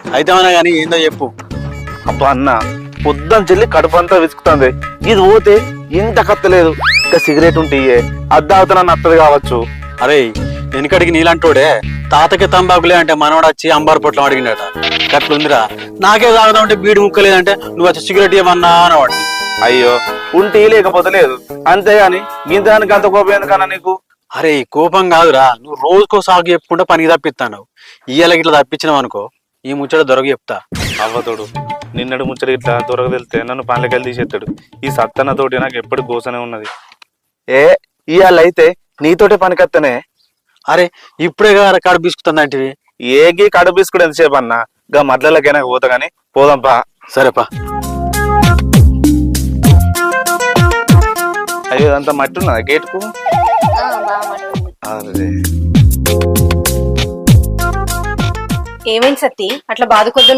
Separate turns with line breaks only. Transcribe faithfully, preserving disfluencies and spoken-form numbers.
అయితే అన్నా కానీ ఏందో చెప్పు.
అబ్బా అన్న పొద్దున చెల్లి కడుపు అంతా విసుకుతుంది. ఇది పోతే ఇంత కత్తలేదు. ఇంకా సిగరెట్ ఉంటే అద్దావుతా నత్తది కావచ్చు.
అరే వెనుకడికి నీలంటోడే తాతకి తంబాకులే అంటే మనవాడు వచ్చి అంబారు పొట్లం అడిగినట. గట్లుందిరా. నాకే తాగుదామంటే బీడి ముక్కలేదంటే నువ్వు వచ్చి సిగరెట్ ఇవ్వన్నా అనేవాడిని.
అయ్యో ఉంటే లేకపోతే లేదు అంతేగాని గింతానికి అంత కోపం ఎందుకన్నా నీకు?
అరే కోపం కాదురా, నువ్వు రోజుకో సాగు చెప్పుకుంటే పనికి తప్పిస్తాను. ఇయ్యాలకి ఇట్లా తప్పించినావు అనుకో ఈ ముచ్చట దొరక చెప్తా.
అవ్వతోడు నిన్నడు ముచ్చట ఇట్లా దొరక వెళ్తే నన్ను పనులకెళ్ళి తీసేస్తాడు. ఈ సత్తన్న తోటి నాకు ఎప్పుడు గోసనే ఉన్నది. ఏ ఇవాళ అయితే నీతోటే పనికత్తనే.
అరే ఇప్పుడే కదా కాడు బిసుకుతుందంటివి.
ఏగి కడుపు బిస్కుడు ఎంతసేపు అన్నా గా మడ్లకైనా పోతా గానీ పోదాంపా.
సరేపా.
అయ్యో అంత మట్టి ఉన్నదా గేటుకు? అరే
ఏమైంది సత్తి అట్లా బాధ కొద్దు